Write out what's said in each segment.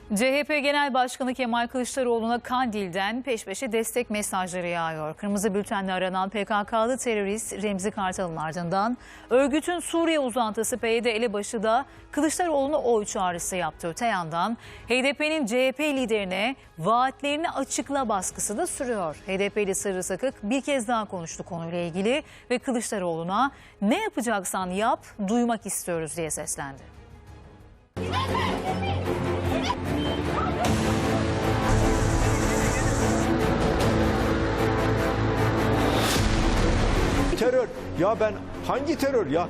CHP Genel Başkanı Kemal Kılıçdaroğlu'na Kandil'den peş peşe destek mesajları yağıyor. Kırmızı bültenle aranan PKK'lı terörist Remzi Kartal'ın ardından örgütün Suriye uzantısı PYD elebaşı da Kılıçdaroğlu'na oy çağrısı yaptı. Öte yandan HDP'nin CHP liderine vaatlerini açıkla baskısı da sürüyor. HDP'li Sırrı Sakık bir kez daha konuştu konuyla ilgili ve Kılıçdaroğlu'na ne yapacaksan yap, duymak istiyoruz diye seslendi. Terör. Ya ben hangi terör ya?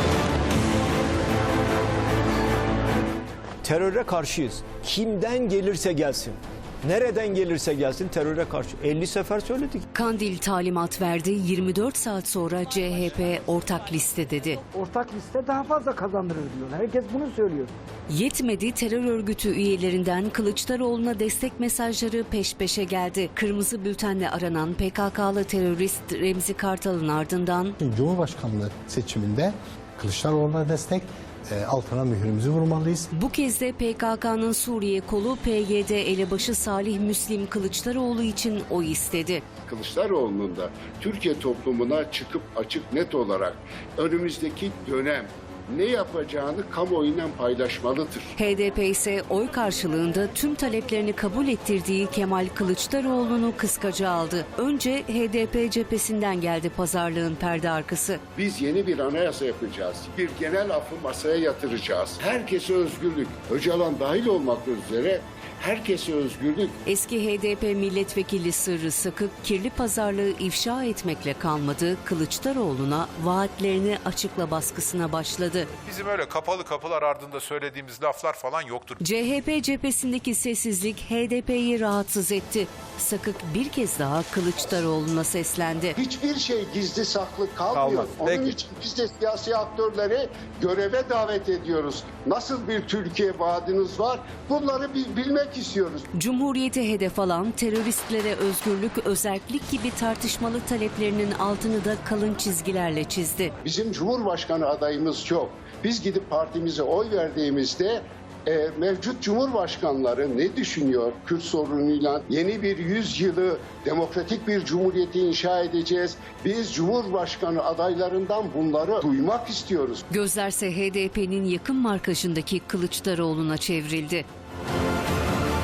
Teröre karşıyız. Kimden gelirse gelsin. Nereden gelirse gelsin teröre karşı. 50 sefer söyledik. Kandil talimat verdi. 24 saat sonra CHP ortak liste dedi. Ortak liste daha fazla kazandırır diyor. Herkes bunu söylüyor. Yetmedi, terör örgütü üyelerinden Kılıçdaroğlu'na destek mesajları peş peşe geldi. Kırmızı bültenle aranan PKK'lı terörist Remzi Kartal'ın ardından Cumhurbaşkanlığı seçiminde Kılıçdaroğlu'na destek, altına mührümüzü vurmalıyız. bu kez de PKK'nın Suriye kolu PYD elebaşı Salih Müslim Kılıçdaroğlu için oy istedi. Kılıçdaroğlu'nun da Türkiye toplumuna çıkıp açık net olarak önümüzdeki dönem ne yapacağını kamuoyuyla paylaşmalıdır. HDP ise oy karşılığında tüm taleplerini kabul ettirdiği Kemal Kılıçdaroğlu'nu kıskaca aldı. Önce HDP cephesinden geldi pazarlığın perde arkası. Biz yeni bir anayasa yapacağız. Bir genel affı masaya yatıracağız. Herkese özgürlük, Öcalan dahil olmak üzere herkese özgürlük. Eski HDP milletvekili Sırrı Sakık kirli pazarlığı ifşa etmekle kalmadı. Kılıçdaroğlu'na vaatlerini açıkla baskısına başladı. Bizim öyle kapalı kapılar ardında söylediğimiz laflar falan yoktur. CHP cephesindeki sessizlik HDP'yi rahatsız etti. Sakık bir kez daha Kılıçdaroğlu'na seslendi. Hiçbir şey gizli saklı kalmıyor. Kalmaz. Onun Peki. için biz de siyasi aktörleri göreve davet ediyoruz. Nasıl bir Türkiye vaadiniz var? Bunları bilmek istiyoruz. Cumhuriyeti hedef alan teröristlere özgürlük, özerklik gibi tartışmalı taleplerinin altını da kalın çizgilerle çizdi. Bizim Cumhurbaşkanı adayımız yok. Biz gidip partimize oy verdiğimizde mevcut cumhurbaşkanları ne düşünüyor Kürt sorunuyla? Yeni bir yüzyılı demokratik bir cumhuriyeti inşa edeceğiz. Biz Cumhurbaşkanı adaylarından bunları duymak istiyoruz. Gözlerse HDP'nin yakın markajındaki Kılıçdaroğlu'na çevrildi.